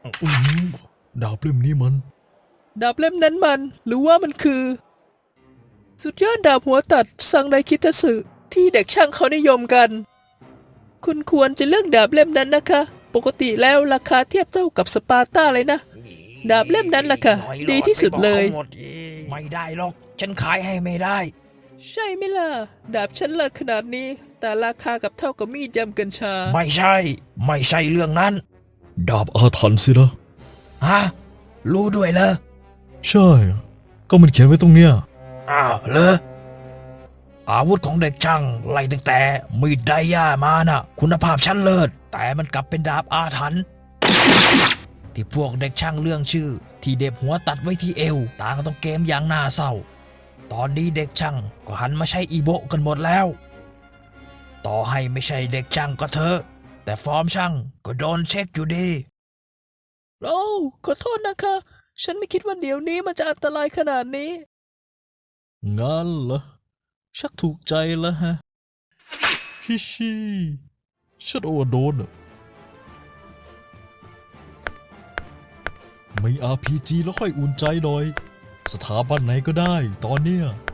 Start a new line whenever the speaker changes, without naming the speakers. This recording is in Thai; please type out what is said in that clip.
อื้อหือดาบเล่มนี้มัน
ดาบเล่มนั้นมันหรือว่ามันคือ สุดยอดดาบหัวตัดซังไดคิทัสึที่เด็กช่างเขานิยมกัน คุณควรจะเลือกดาบเล่มนั้นนะคะ ปกติแล้วราคาเทียบเท่ากับสปาร์ตาเลยนะ ดาบเล่มนั้นล่ะค่ะดีที่สุดเลย
ไม่ได้หรอก ฉันขายให้ไม่ได้
ใช่ไหมล่ะ ดาบฉันเลิศขนาดนี้ แต่ราคากับเท่ากับมีดยำกัญชา
ไม่ใช่ เรื่องนั้น
ดาบอาถรรพ์สินะ
ฮะ รู้ด้วยเหรอ
ใช่ ก็มันเขียนไว้ตรงเนี้ย
อ้าวเหรออาวุธของเด็กช่างไล่ตั้งแต่มีดไดย่ามาน่ะ คุณภาพชั้นเลิศแต่มันกลับเป็นดาบอาถรรพ์ที่พวกเด็กช่างเรื่องชื่อ ที่เด็บหัวตัดไว้ที่เอวต่างต้องเกมอย่างน่าเศร้า ตอนนี้เด็กช่างก็หันมาใช้อีโบะกันหมดแล้ว ต่อให้ไม่ใช่เด็กช่างก็เถอะแต่ฟอร์มช่างก็โดนเช็คอยู่ดี
โอ้ขอโทษนะคะ ฉันไม่คิดว่าเดี๋ยวนี้มันจะอันตรายขนาดนี้
งั้นเหรอ ชักถูกใจแล้วฮะ ฮิชิฉันโอเวอร์โดนอะมี RPG แล้วค่อยอุ่นใจหน่อย สถาบันไหนก็ได้ตอนเนี้ย